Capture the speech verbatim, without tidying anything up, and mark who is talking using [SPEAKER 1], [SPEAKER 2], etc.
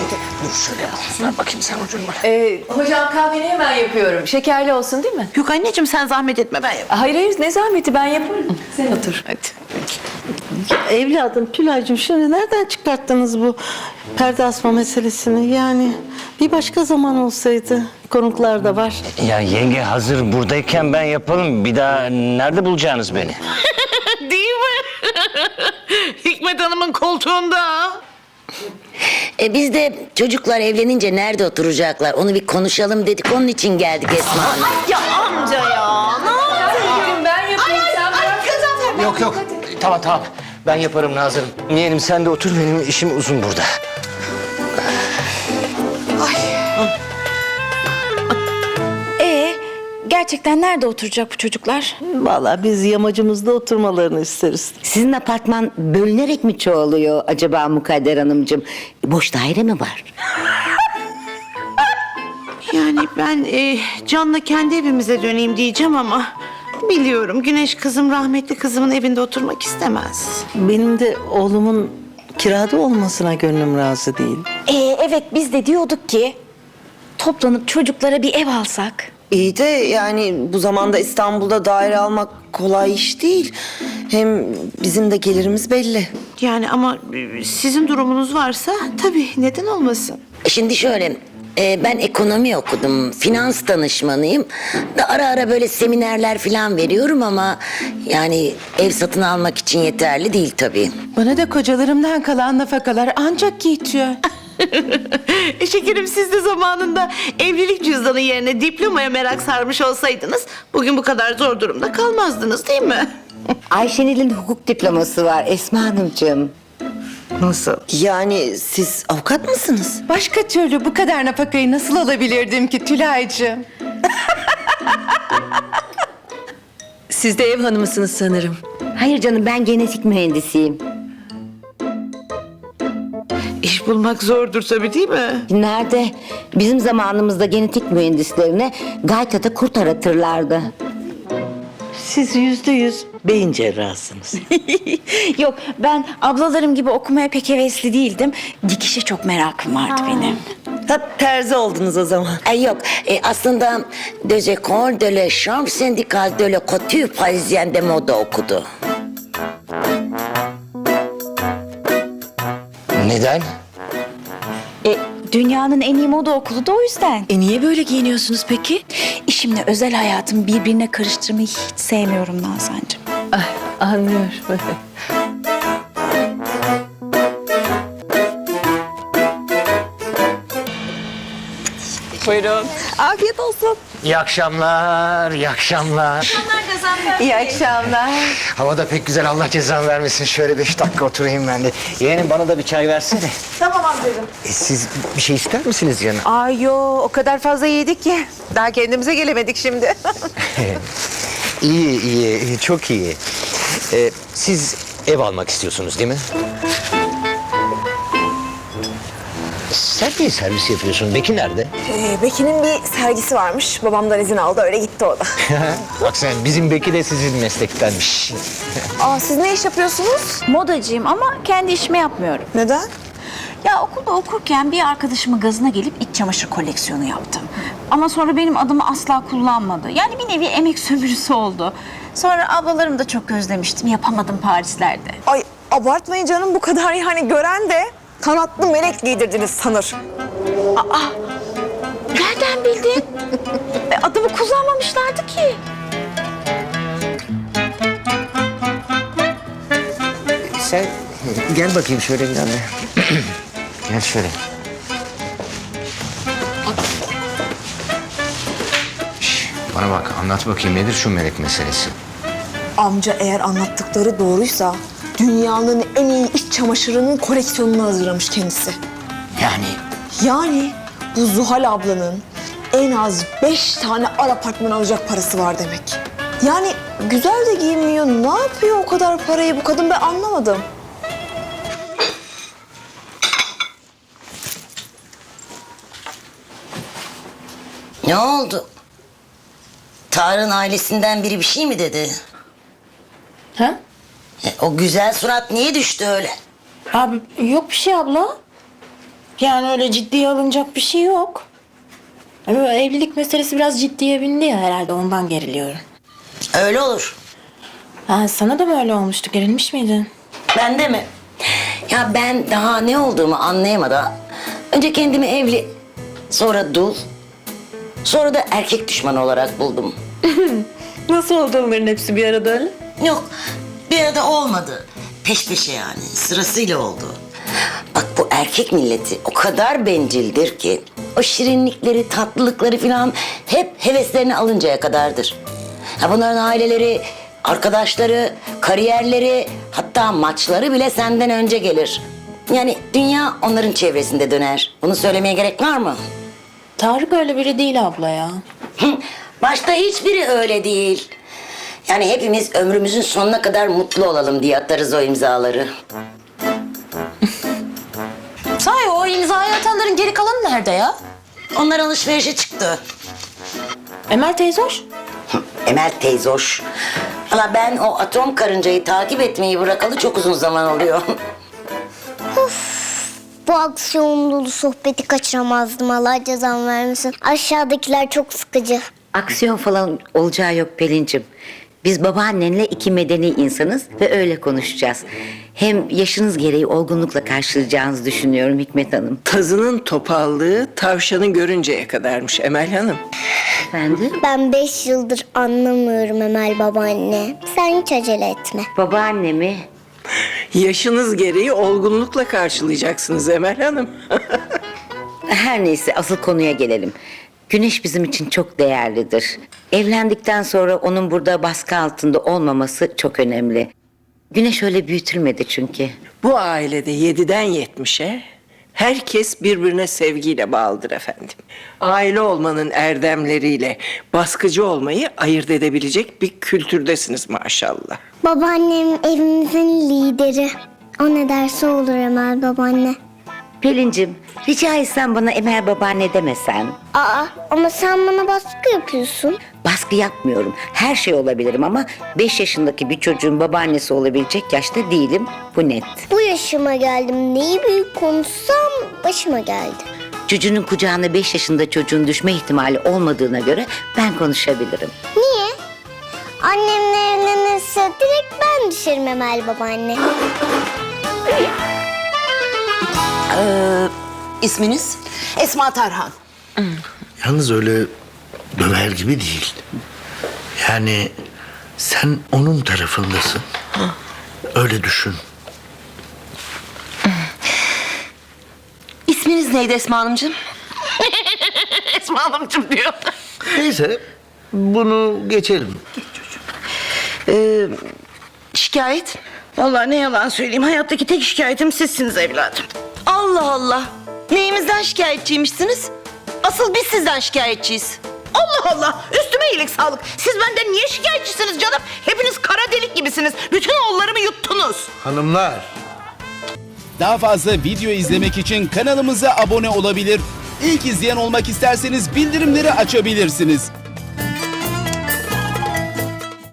[SPEAKER 1] Dur şöyle al. Ver bakayım sen ucunu bana.
[SPEAKER 2] Ee, hocam kahveni hemen yapıyorum. Şekerli olsun değil mi?
[SPEAKER 3] Yok anneciğim sen zahmet etme ben yaparım.
[SPEAKER 2] Hayır hayır ne zahmeti ben yaparım. Sen otur hadi.
[SPEAKER 4] Evladım Tülay'cığım şimdi nereden çıkarttınız bu perde asma meselesini? Yani bir başka zaman olsaydı konuklar da var.
[SPEAKER 1] Ya yenge hazır buradayken ben yapalım. Bir daha nerede bulacağınız beni?
[SPEAKER 3] Değil mi? Hikmet Hanım'ın koltuğunda.
[SPEAKER 5] E biz de çocuklar evlenince nerede oturacaklar onu bir konuşalım dedik. Onun için geldik Esma Hanım.
[SPEAKER 3] Ya amca ya. Ne yaptın?
[SPEAKER 2] Ben yapayım sen bırak.
[SPEAKER 1] Yok yok. Tamam tamam. Ben yaparım Nazır'ım. Yeğenim sen de otur, benim işim uzun burada.
[SPEAKER 6] Ee, gerçekten nerede oturacak bu çocuklar?
[SPEAKER 4] Vallahi biz yamacımızda oturmalarını isteriz.
[SPEAKER 5] Sizin apartman bölünerek mi çoğalıyor acaba Mukadder Hanımcığım? Boş daire mi var?
[SPEAKER 3] Yani ben e, Can'la kendi evimize döneyim diyeceğim ama... Biliyorum Güneş kızım rahmetli kızımın evinde oturmak istemez.
[SPEAKER 4] Benim de oğlumun kirada olmasına gönlüm razı değil.
[SPEAKER 6] Ee, evet biz de diyorduk ki toplanıp çocuklara bir ev alsak.
[SPEAKER 7] İyi de yani bu zamanda İstanbul'da daire almak kolay iş değil. Hem bizim de gelirimiz belli.
[SPEAKER 3] Yani ama e, sizin durumunuz varsa tabii neden olmasın?
[SPEAKER 5] Şimdi şöyle, e, ben ekonomi okudum, finans danışmanıyım. Da ara ara böyle seminerler falan veriyorum ama... ...yani ev satın almak için yeterli değil tabii.
[SPEAKER 8] Bana da kocalarımdan kalan nafakalar ancak yetiyor.
[SPEAKER 3] E şekerim siz de zamanında evlilik cüzdanı yerine diplomaya merak sarmış olsaydınız... ...bugün bu kadar zor durumda kalmazdınız değil mi?
[SPEAKER 5] Ayşenil'in hukuk diploması var Esma Hanımcığım.
[SPEAKER 3] Nasıl?
[SPEAKER 7] Yani siz avukat mısınız?
[SPEAKER 8] Başka türlü bu kadar nafakayı nasıl alabilirdim ki Tülay'cığım?
[SPEAKER 2] Siz de ev hanımısınız sanırım.
[SPEAKER 5] Hayır canım, ben genetik mühendisiyim.
[SPEAKER 3] İş bulmak zordur tabii değil mi?
[SPEAKER 5] Nerede? Bizim zamanımızda genetik mühendislerine Gayta'da kurt aratırlardı.
[SPEAKER 4] Siz yüzde yüz beyin cerrahsınız.
[SPEAKER 6] Yok ben ablalarım gibi okumaya pek hevesli değildim. Dikişe çok merakım vardı benim.
[SPEAKER 7] Ha, terzi oldunuz o zaman.
[SPEAKER 5] Ay yok, e, aslında Deux Écoles de la Chambre Syndicale de la Couture Parisienne moda okudu.
[SPEAKER 1] Neden?
[SPEAKER 6] E, dünyanın en iyi moda okulu da o yüzden.
[SPEAKER 2] E niye böyle giyiniyorsunuz peki?
[SPEAKER 6] İşimle özel hayatımı birbirine karıştırmayı hiç sevmiyorum Nazancığım.
[SPEAKER 2] Ay, anlıyorum.
[SPEAKER 6] Buyurun. Afiyet olsun.
[SPEAKER 1] İyi akşamlar, iyi akşamlar.
[SPEAKER 8] İyi akşamlar.
[SPEAKER 1] Hava da pek güzel, Allah cezanı vermesin. Şöyle beş dakika oturayım ben de. Yeğenim bana da bir çay versene.
[SPEAKER 8] Tamam amcacığım.
[SPEAKER 1] E, siz bir şey ister misiniz canım?
[SPEAKER 8] Ay yo o kadar fazla yedik ki. Daha kendimize gelemedik şimdi.
[SPEAKER 1] İyi, iyi, iyi, çok iyi. Ee, siz ev almak istiyorsunuz değil mi? Sen niye servis yapıyorsun? Beki nerede?
[SPEAKER 9] Ee, Beki'nin bir sergisi varmış. Babamdan izin aldı, öyle gitti o da.
[SPEAKER 1] Bak sen, bizim Beki de sizin meslektenmiş.
[SPEAKER 9] Aa, siz ne iş yapıyorsunuz?
[SPEAKER 6] Modacıyım ama kendi işimi yapmıyorum.
[SPEAKER 9] Neden?
[SPEAKER 6] Ya okulda okurken bir arkadaşımın gazına gelip iç çamaşır koleksiyonu yaptım. Ama sonra benim adımı asla kullanmadı. Yani bir nevi emek sömürüsü oldu. Sonra ablalarımı da çok özlemiştim. Yapamadım Parislerde.
[SPEAKER 9] Ay abartmayın canım, bu kadar yani gören de kanatlı melek giydirdiniz sanır.
[SPEAKER 6] Nereden bildin? E, adımı kullanmamışlardı ki.
[SPEAKER 1] Sen gel bakayım şöyle bir tane. Gel şöyle. Şş, bana bak, anlat bakayım nedir şu melek meselesi?
[SPEAKER 9] Amca eğer anlattıkları doğruysa dünyanın en iyi iç çamaşırının koleksiyonunu hazırlamış kendisi.
[SPEAKER 1] Yani
[SPEAKER 9] Yani bu Zuhal ablanın en az beş tane ar apartman alacak parası var demek. Yani güzel de giyinmiyor. Ne yapıyor o kadar parayı bu kadın, ben anlamadım.
[SPEAKER 5] Ne oldu? Tarık'ın ailesinden biri bir şey mi dedi?
[SPEAKER 2] Ha?
[SPEAKER 5] E, o güzel surat niye düştü öyle?
[SPEAKER 2] Abi yok bir şey abla.
[SPEAKER 10] Yani öyle ciddiye alınacak bir şey yok. Ama evlilik meselesi biraz ciddiye bindi ya, herhalde ondan geriliyorum.
[SPEAKER 5] Öyle olur.
[SPEAKER 10] Ha, sana da mı öyle olmuştu? Gerilmiş miydin?
[SPEAKER 5] Ben de mi? Ya ben daha ne olduğumu anlayamadan önce kendimi evli, sonra dul, sonra da erkek düşmanı olarak buldum.
[SPEAKER 10] Nasıl oldu onların hepsi bir arada öyle?
[SPEAKER 5] Yok, bir arada olmadı. Peş peşe yani, sırasıyla oldu. Bak bu erkek milleti o kadar bencildir ki o şirinlikleri, tatlılıkları falan hep heveslerini alıncaya kadardır. Ha bunların aileleri, arkadaşları, kariyerleri, hatta maçları bile senden önce gelir. Yani dünya onların çevresinde döner. Bunu söylemeye gerek var mı?
[SPEAKER 10] Tarık öyle biri değil abla ya.
[SPEAKER 5] Hı, Başta hiçbiri öyle değil. Yani hepimiz ömrümüzün sonuna kadar mutlu olalım diye atarız o imzaları.
[SPEAKER 10] Sahi o imzayı atanların geri kalanı nerede ya?
[SPEAKER 5] Onlar alışverişe çıktı.
[SPEAKER 10] Emel teyze hoş.
[SPEAKER 5] Hı, Emel teyze hoş. Valla ben o atom karıncayı takip etmeyi bırakalı çok uzun zaman oluyor.
[SPEAKER 11] Bu aksiyon dolu sohbeti kaçıramazdım. Allah cezam vermesin. Aşağıdakiler çok sıkıcı.
[SPEAKER 12] Aksiyon falan olacağı yok Pelin'cim. Biz babaannenle iki medeni insanız ve öyle konuşacağız. Hem yaşınız gereği olgunlukla karşılayacağınızı düşünüyorum Hikmet Hanım.
[SPEAKER 13] Tazının topallığı tavşanı görünceye kadarmış Emel Hanım.
[SPEAKER 12] Efendim?
[SPEAKER 11] Ben beş yıldır anlamıyorum Emel babaanne. Sen hiç acele etme.
[SPEAKER 12] Babaanne mi?
[SPEAKER 13] Yaşınız gereği olgunlukla karşılayacaksınız Emel Hanım.
[SPEAKER 12] Her neyse asıl konuya gelelim. Güneş bizim için çok değerlidir. Evlendikten sonra onun burada baskı altında olmaması çok önemli. Güneş öyle büyütülmedi çünkü.
[SPEAKER 13] Bu ailede yediden yetmişe herkes birbirine sevgiyle bağlıdır efendim. Aile olmanın erdemleriyle baskıcı olmayı ayırt edebilecek bir kültürdesiniz maşallah.
[SPEAKER 11] Babaannem evimizin lideri. O ne derse olur Emel babaanne.
[SPEAKER 12] Pelin'cim rica etsem bana Emel babaanne demesen.
[SPEAKER 11] Aa ama sen bana baskı yapıyorsun.
[SPEAKER 12] Baskı yapmıyorum. Her şey olabilirim ama beş yaşındaki bir çocuğun babaannesi olabilecek yaşta değilim. Bu net.
[SPEAKER 11] Bu yaşıma geldim. Neyi büyük konuşsam başıma geldi.
[SPEAKER 12] Çocuğunun kucağına beş yaşında çocuğun düşme ihtimali olmadığına göre ben konuşabilirim.
[SPEAKER 11] Niye? Annemle evlenirse direkt ben düşerim Emel babaanne.
[SPEAKER 3] Ee, isminiz?
[SPEAKER 9] Esma Tarhan.
[SPEAKER 14] Yalnız öyle döver gibi değil. Yani sen onun tarafındasın. Öyle düşün.
[SPEAKER 3] İsminiz neydi Esma Hanımcığım? Esma Hanımcığım diyor.
[SPEAKER 14] Neyse bunu geçelim.
[SPEAKER 3] Ee, şikayet? Vallahi ne yalan söyleyeyim, hayattaki tek şikayetim sizsiniz evladım. Allah Allah! Neyimizden şikayetçiymişsiniz? Asıl biz sizden şikayetçiyiz. Allah Allah! Üstüme iyilik sağlık. Siz benden niye şikayetçisiniz canım? Hepiniz kara delik gibisiniz. Bütün oğullarımı yuttunuz.
[SPEAKER 14] Hanımlar.
[SPEAKER 15] Daha fazla video izlemek için kanalımıza abone olabilir. İlk izleyen olmak isterseniz bildirimleri açabilirsiniz.